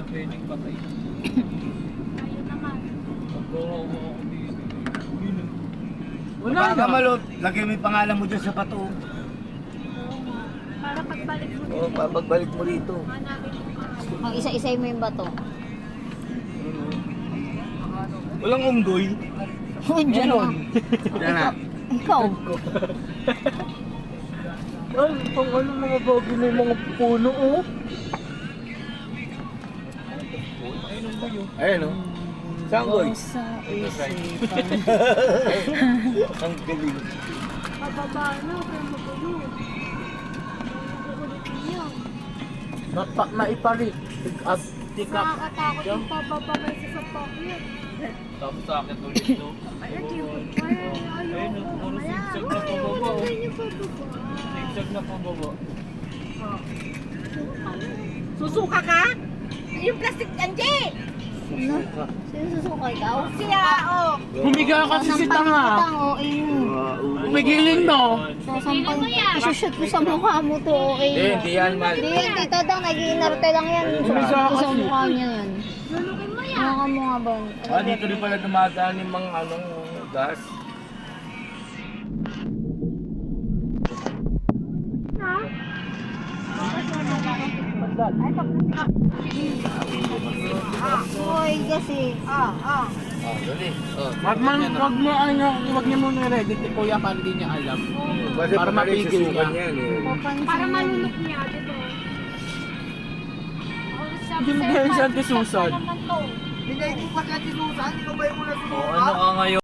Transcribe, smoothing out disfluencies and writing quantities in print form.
pwedeng patay. Ayun naman. Pagkawa ko dito. Wala Baka na. malot, lagay mo yung pangalan mo dyan sa bato. Oo nga. Para pagbalik mo Oo, pagbalik mo rito. hanapin mo ka. Ang isa-isay mo yung bato. Walang unggoy. Diyan na. Yan na. Ikaw. Ay, pang ano mga bagay na yung mga puno, oh. Ayun o. Saan goy? Sa isipan. Ang galing. Pababa na, pero magulo. Magugulitin yun. Maiparit. At tikap. Nakakatakot yung pababa kayo sa sasakyan. Tapos sa akin ulit, no? Ayun, yung ayaw ko. puro Mamaya. zigzag na Uy, pababa, oh. ganyan pababa. Zigzag na pababa. Susuka ka? Yung plastic Anji! Sino? Sino susuka ikaw? Siya, oh. Humiga kasi si Tanga. Oo, ayun. Pigilin mo. Sasampal. Isushoot ko sa mukha mo to, okay? Hindi yan, mal. Hindi yan, tita Dang. Nag-iinarte lang yan. Humiga Sumushoot ko sa kasi. mukha niya yan. Lulukin mo yan. Mukha mo nga ba? Ah, dito rin pala dumadaan yung mga anong gas. Hoy, kasi. Ah, dali. Oh, Wag mo ano, wag niyo muna ready si Kuya para hindi niya alam. Kasi Para mapigil susukan niya. yan eh. Papansin Para mo. malunok niya, di ba? Hindi mo ganyan siya antisusan. Naman to. Hindi mo pa kasi susan, ikaw ba yung mula O ano ka ngayon?